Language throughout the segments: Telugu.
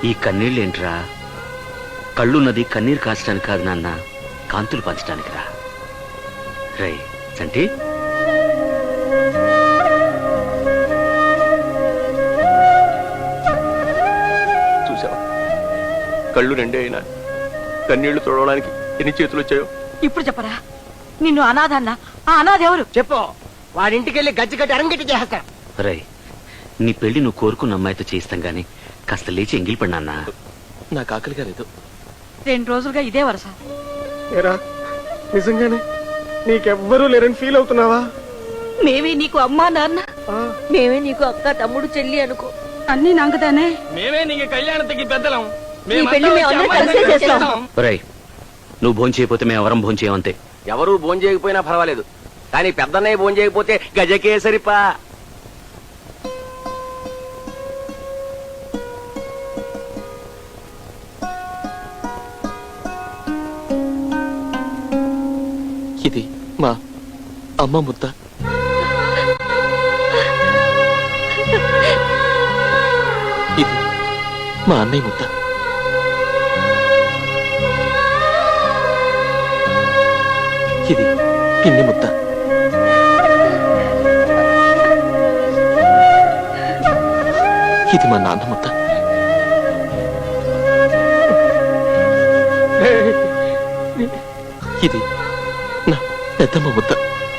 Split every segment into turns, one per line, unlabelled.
ఈ కన్నీళ్ళేంట్రా? కళ్ళున్నది కన్నీరు కాచడానికి కాదు నాన్న, కాంతులు పంచడానికి రా. రై చంటి,
చూసావా, కళ్ళు రెండే అయినా కన్నీళ్లు తోడడానికి ఎన్ని చేతులు వచ్చాయో.
ఇప్పుడు చెప్పరా, నిన్ను అనాథన్న ఆ అనాథ ఎవరు
చెప్పు. వాడింటికి వెళ్ళి గజ్జి కట్టి అరంగట్టి చేస్తా.
రై నీ పెళ్లి నువ్వు కోరుకున్న అమ్మాయితో చేయిస్తాం గాని కాస్త లేచి ఎంగిలి పడి నాన్న.
నాకు ఆకలిగా లేదు.
2 రోజులుగా ఇదే వరస.
ఏరా నిజంగానే నీకెవ్వరూ లేరని ఫీల్ అవుతున్నావా?
మేమే నీకు అమ్మా నాన్న, మేమే నీకు అక్క తమ్ముడు చెల్లి అనుకో. అన్ని నాకుతానే.
మేమే నీకు కళ్యాణకి పెద్దలం.
నీ పెళ్లి మేమందరం కలిసే చేస్తాం.
రై నువ్వు భోజనం చేయకపోతే మేము ఎవరం భోజనం చేయమంతే.
ఎవరు భోజనం చేయకపోయినా పర్వాలేదు, కానీ పెద్దన్నయ్య భోజనం చేయకపోతే గజకేసరిపా. ఇది మా అమ్మ ముద్ద. ఇది మా అన్నయ్య ముద్ద. ఇది పిన్ని ముద్ద. ఇది మా నాన్న ముద్ద. ఇది నా పెద్దమ్మ ముద్ద.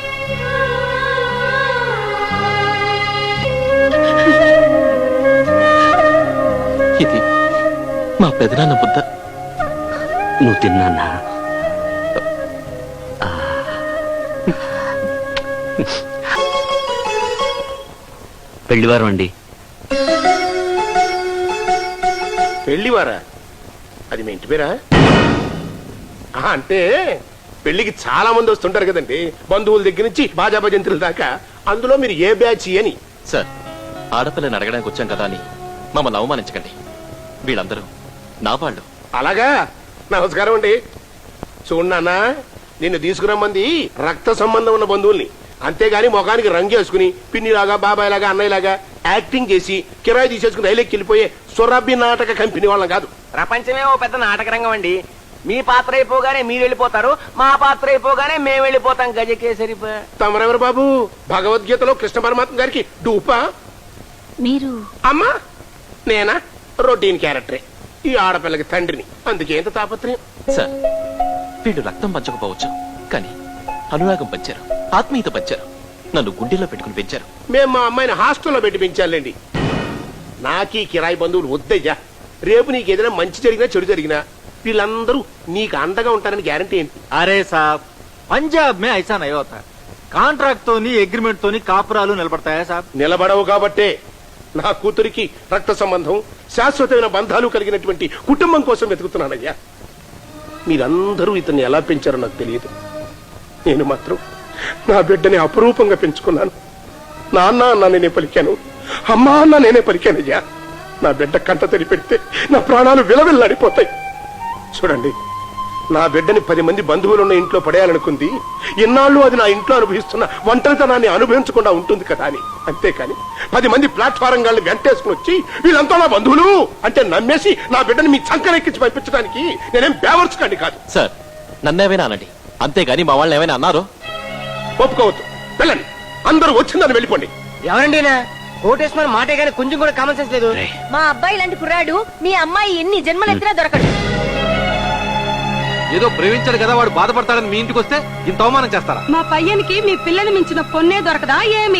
ఇది మా పెదనాన్న ముద్ద.
నువ్వు తిన్నానా? పెళ్లివారం అండి.
పెళ్లివారా? అది మీ ఇంటి పేరా? అంటే పెళ్లికి చాలా మంది వస్తుంటారు కదండి, బంధువుల దగ్గర నుంచి బాజా భజంతుల దాకా. అందులో మీరు ఏ బ్యాచ్ అని?
సార్, ఆడపిల్లని అడగడానికి వచ్చాం కదా అని మమ్మల్ని అవమానించకండి. వీళ్ళందరూ నా వాళ్ళు.
అలాగా, నమస్కారం అండి. చూడన్నా, నిన్ను తీసుకురమ్మంది రక్త సంబంధం ఉన్న బంధువుల్ని, అంతేగాని ముఖానికి రంగేసుకుని పిన్నిలాగా బాబాయ్లాగా అన్నయ్యలాగా యాక్టింగ్ చేసి కిరాయి తీసేసుకుని రైలెక్కి వెళ్ళిపోయే సొరబ్బి నాటక కంపెనీ వాళ్ళం కాదు.
ప్రపంచమే ఓ పెద్ద నాటక రంగం అండి. మీ పాత్ర అయిపోగానే మీరు వెళ్ళిపోతారు, మా పాత్ర అయిపోగానే మేము వెళ్ళిపోతాం. గజకేసరిపా.
తమరెవరు బాబు? భగవద్గీతలో కృష్ణ పరమాత్మ గారికి డూపా?
మీరు
అమ్మా నేనా? రొటీన్ క్యారెక్టరే. ఈ ఆడపిల్లకి తండ్రిని, అందుకే ఎంత తాపత్రయం.
సార్, వీళ్ళు రక్తం పంచకపోవచ్చు, కానీ అనురాగం పంచారు, ఆత్మీయత పంచారు, నన్ను గుండెల్లో పెట్టుకుని పెంచారు.
మేము మా అమ్మాయిని హాస్టల్లో పెట్టి పెంచాలండి. నాకీ కిరాయి బంధువులు వద్దయ్యా. రేపు నీకు ఏదైనా మంచి జరిగినా చెడు జరిగినా వీళ్ళందరూ నీకు అండగా ఉంటారని గ్యారంటీ ఏంటి?
अरे साहब, पंजाब में ऐसा नहीं होता. కాంట్రాక్ట్ తోని అగ్రిమెంట్ తోని కాపురాలు నిలబడతాయా సాబ్?
నిలబడవు కాబట్టే నా కూతురికి రక్త సంబంధం, శాశ్వతమైన బంధాలు కలిగినటువంటి కుటుంబం కోసం వెతుకుతున్నానయ్యా. మీరందరూ ఇతన్ని ఎలా పెంచారో నాకు తెలియదు. నేను మాత్రం నా బిడ్డని అపురూపంగా పెంచుకున్నాను. నాన్న అన్న నేనే పలికాను, అమ్మా అన్న నేనే పలికానయ్యా. నా బిడ్డ కంట తడి పెడితే నా ప్రాణాలు విలవిల్లాడిపోతాయి. చూడండి, నా బిడ్డని 10 మంది బంధువులున్న ఇంట్లో పడేయాలనుకుంది. ఇన్నాళ్ళు అది నా ఇంట్లో అనుభవిస్తున్న ఒంటరితనాన్ని అనుభవించకుండా ఉంటుంది కదా అని. అంతేకాని 10 మంది ప్లాట్ఫారం గాళ్ళని వెంటేసుకుని వచ్చి వీళ్ళంతా నా బంధువులు అంటే నమ్మేసి నా బిడ్డని మీ చంకనెక్కించి పంపించడానికి నేనేం బేవర్స్ కండి కాదు.
సార్, నన్నేమైనా అనండి, అంతేగాని మా వాళ్ళని ఏమైనా అన్నారో
ఒప్పుకోవద్దు. వెళ్ళండి, అందరూ వచ్చిందని వెళ్ళిపోండి.
ఎవరండి కోటేశ్వర మాటే గానీ కొంచెం కూడా కామన్ సెన్స్ లేదు.
మా అబ్బాయి లాంటి కుర్రాడు మీ అమ్మాయి ఎన్ని జన్మలెత్తినా దొరకడు.
ఏదో ప్రేమించాడు కదా వాడు బాధపడతాడని మీ ఇంటికి వస్తే ఇంత అవమానం చేస్తారా?
మా పయ్యనికి మీ పిల్లని మించిన పొన్నే దొరకదా ఏమి?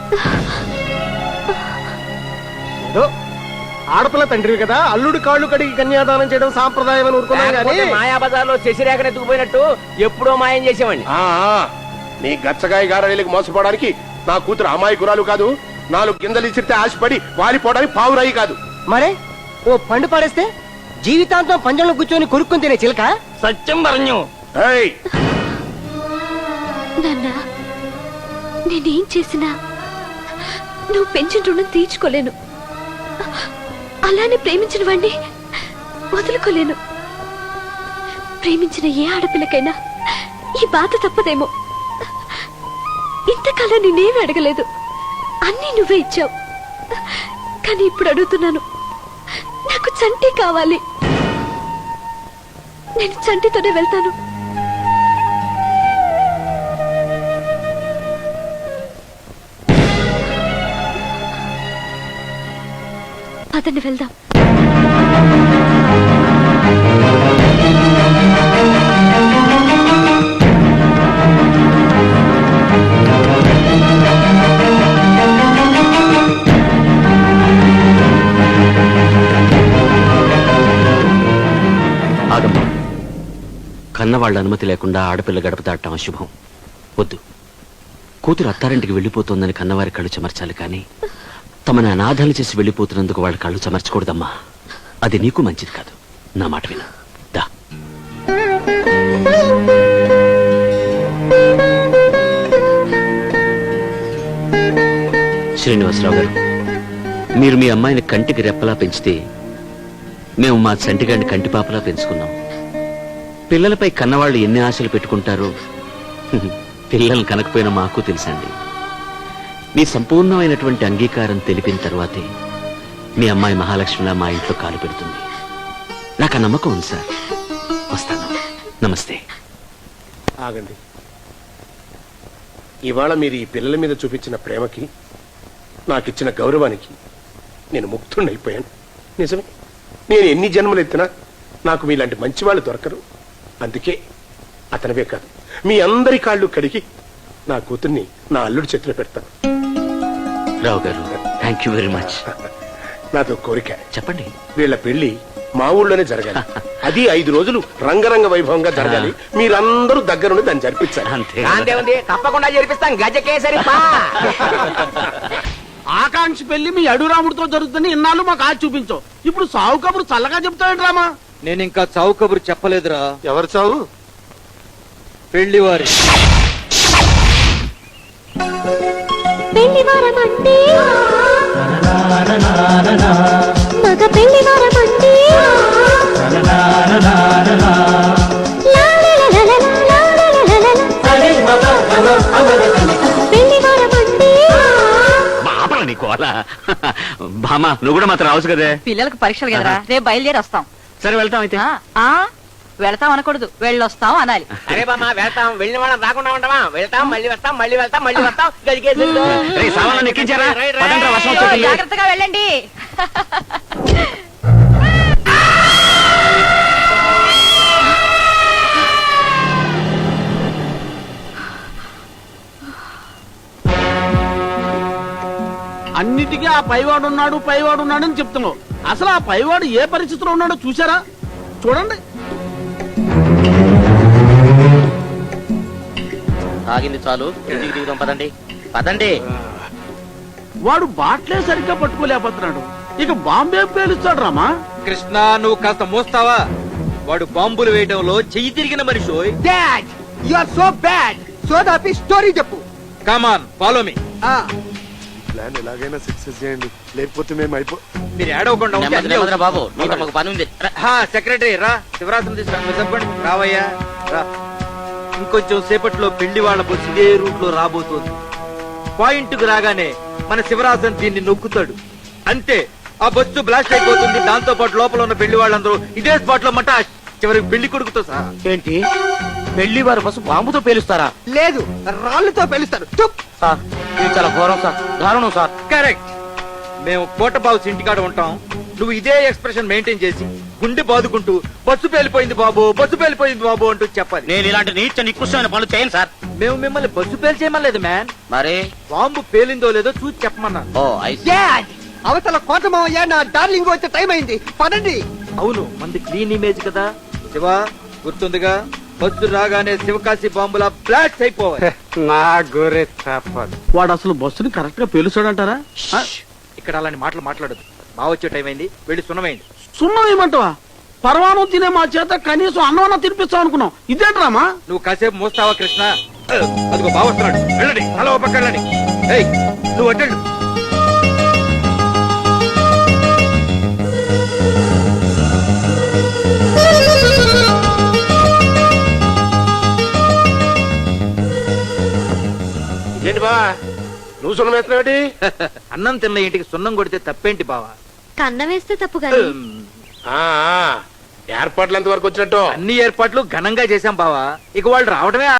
ఆడపిల్ల తండ్రి కదా, అల్లుడి కాళ్ళు కడిగి కన్యాదానం చేయడం సాంప్రదాయం అని ఊరుకున్నాను. మాయా బజార్లో శశిరేఖను ఎత్తుకుపోయినట్టు ఎప్పుడో మాయం చేసేవాడిని.
నీ గచ్చగాయ గారాయిలకు మోసపోవడానికి నా కూతురు అమాయకురాలు కాదు. 4 గింజలు ఇచ్చితే ఆశపడి వాలిపోవడానికి పావురాయి కాదు.
మరే ఓ పండు పడేస్తే జీవితాంతం పంజంలో కూర్చొని కొరుక్కుని తినే చిలక. సత్యం പറഞ്ഞു.
నాన్న, నేనేం చేసినా నువ్వు పెంచిన రుణం తీర్చుకోలేను. అలానే ప్రేమించిన వాణ్ణి వదులుకోలేను. ప్రేమించిన ఏ ఆడపిల్లకైనా ఈ బాధ తప్పదేమో. ఇంతకాలం నేనేమి అడగలేదు, అన్నీ నువ్వే ఇచ్చావు. కానీ ఇప్పుడు అడుగుతున్నాను, నాకు చంటి కావాలి. నేను చంటితోనే వెళ్తాను. అతన్ని వెళ్దాం.
ఆగమ్మా, కన్నవాళ్ళ అనుమతి లేకుండా ఆడపిల్ల గడప దాటం అశుభం. వద్దు. కూతురు అత్తారింటికి వెళ్ళిపోతోందని కన్నవారి కళ్ళు చెమర్చాలి, కానీ తమని అనాథాలు చేసి వెళ్ళిపోతున్నందుకు వాళ్ళ కళ్ళు చెమర్చకూడదమ్మా. అది నీకు మంచిది కాదు. నా మాట విను. దా. శ్రీనివాసరావు గారు, మీరు మీ అమ్మాయిని కంటికి రెప్పలా పెంచితే మేము మా చంటిగాడిని కంటిపాపలా పెంచుకున్నాం. పిల్లలపై కన్నవాళ్ళు ఎన్ని ఆశలు పెట్టుకుంటారో పిల్లలు కనకపోయినా మాకు తెలుసండి. మీ సంపూర్ణమైనటువంటి అంగీకారం తెలిపిన తర్వాతే మీ అమ్మాయి మహాలక్ష్మిలా మా ఇంట్లో కాలు పెడుతుంది. నాకు ఆ నమ్మకం ఉంది సార్. వస్తాను. నమస్తే.
ఆగండి. ఇవాళ మీరు ఈ పిల్లల మీద చూపించిన ప్రేమకి, నాకిచ్చిన గౌరవానికి నేను ముక్తుడైపోయాను. నిజమే, నేను ఎన్ని జన్మలు ఎత్తినా నాకు మీలాంటి మంచివాళ్ళు దొరకరు. అందుకే అతనివే కాదు, మీ అందరి కాళ్ళు కడిగి నా కూతుర్ని నా అల్లుడి చేతిలో పెడతాను.
రావు గారు, థ్యాంక్ యూ వెరీ మచ్.
నాతో కోరిక.
చెప్పండి.
వీళ్ళ పెళ్లి మా ఊళ్ళోనే జరగాలి. అది 5 రోజులు రంగరంగ వైభవంగా జరగాలి. మీరందరూ దగ్గరుండి దాన్ని జరిపించాలి.
అంతే.
తప్పకుండా జరిపిస్తాం. గజకేసరి
ఆకాంక్ష పెళ్లి మీ అడురాముడితో జరుగుతుంది. ఇన్నాళ్ళు మాకు ఆచి చూపించావు. ఇప్పుడు సావు కబురు చల్లగా చెప్తాడు రామా.
నేను ఇంకా చావు కబురు చెప్పలేదురా.
ఎవరు చావు?
పెళ్లివారి.
పెళ్లివారమంటే మగ పెళ్లివారమంటే పెళ్లివారమంటే
నీకు అలా బామా, నువ్వు కూడా మాత్రం రావచ్చు కదే.
పిల్లలకు పరీక్షలు కదరా, రేపు బయలుదేరి వస్తాం.
సరే, వెళ్తాం అయితే.
వెళతాం అనకూడదు, వెళ్ళొస్తాం అనాలి.
అరే బామ్మ, వెళ్తాం. వెళ్ళిన వాళ్ళం రాకుండా ఉంటామా? వెళ్తాం, మళ్ళీ వస్తాం, మళ్ళీ వెళ్తాం, మళ్ళీ వస్తాం. గజకేసరి
రేయ్, సామాన్లు ఎక్కించారా? పదండ్రా, వర్షం వచ్చేస్తుంది.
జాగ్రత్తగా వెళ్ళండి.
అన్నిటికీ ఆ పైవాడు ఉన్నాడు అని చెప్తున్నావు. అసలు ఆ పైవాడు ఏ పరిస్థితిలో ఉన్నాడో చూసారా? చూడండి.
ఆగింది చాలు, ఇంటికి దిగుదాం. పదండి పదండి.
వాడు బాట్లే సరిగ్గా పట్టుకోలేకపోతున్నాడు, ఇక బాంబే పేలుస్తాడు రామా.
కృష్ణ, నువ్వు కాస్త మోస్తావా? వాడు బాంబులు వేయడంలో చెయ్యి తిరిగిన మనిషి.
Dad, you are so bad. So దాపి స్టోరీ చెప్పు.
Come on, follow me.
ప్లాన్ ఎలాగైనా సక్సెస్ చేయండి, లేకపోతే మేము
మీరు ఏడవకుండా ఉంటే అన్నీ అవుతాయి.
బాబు, నీతో మాకు పని ఉంది.
సెక్రటరీ రా, శివరాత్రి చెప్పండి. రావయ్యా రా. ఇంకొంచెం సేపట్లో పెళ్లి వాళ్ళ బస్సు ఇదే రూట్ లో రాబోతోంది. పాయింట్ కు రాగానే మన శివరాజన్ దీన్ని నొక్కుతాడు. అంతే, ఆ బస్సు బ్లాస్ట్ అయిపోతుంది. దాంతో పాటు లోపల ఉన్న పెళ్లి వాళ్ళందరూ ఇదే స్పాట్ లో మట చివరికి పెళ్లి కొడుకుతో సహా.
ఏంటి, పెళ్లి వారు బస్సు బాంబుతో పేలుస్తారా? లేదు, రాళ్లతో పేలుస్తారు. సార్, ఇది చాలా ఘోరం సార్, దారుణం సార్.
కరెక్ట్. మేము కోటబాబు ఇంటికాడ ఉంటాం. నువ్వు ఇదే ఎక్స్ప్రెషన్ మెయింటైన్ చేసి గుండె బాదుకుంటూ బస్సు పేలిపోయింది బాబు, బస్సు పేలిపోయింది బాబు అంటూ చెప్పాలి.
నేను ఇలాంటి నీచ నికృష్టమైన పనులు చేయను సార్.
మేము మిమ్మల్ని బస్సు పేలి చేయమలేదు మ్యాన్.
మరి
బాంబు పేలిందో లేదో చూసి చెప్పమన్నాను.
అవతల కోటమావయ్య, నా డార్లింగ్ వచ్చే టైం అయింది. పదండి.
అవును, మంది క్లీన్ ఇమేజ్ కదా. శివ, గుర్తుందిగా? బస్సు రాగానే శివకాశి బాంబులా బ్లాస్ట్ అయిపోవాలి.
నా గోరే వాడు అసలు బస్సుని కరెక్ట్ గా పేలుస్తాడంటారా?
ఇక్కడ అలాంటి మాటలు మాట్లాడదు. బాగా వచ్చే టైం అయింది, వెళ్ళి సున్నమైంది.
సున్నం ఏమంటావా? పరమాణం తినే మా చేత కనీసం అన్నం తినిపిస్తావు అనుకున్నాం. ఇదేంట్రామా?
నువ్వు కాసేపు మోస్తావా కృష్ణ? అదిగో బావ వస్తున్నాడు, వెళ్ళండి. అలా ఓ పక్క వెళ్ళండి. ఏయ్, నువ్వు అటెండు.
ఏంటి బా, నువ్వు సున్నం వేస్తున్నావేంటి?
అన్నం తిన్న ఇంటికి సున్నం కొడితే తప్పేంటి బావా?
కన్న వేస్తే తప్పు కానీ
ఆ, ఏర్పాట్లు ఎంతవరకు వచ్చినట్టు?
అన్ని ఏర్పాట్లు ఘనంగా చేశాం బావా. ఇక వాళ్ళు రావడమే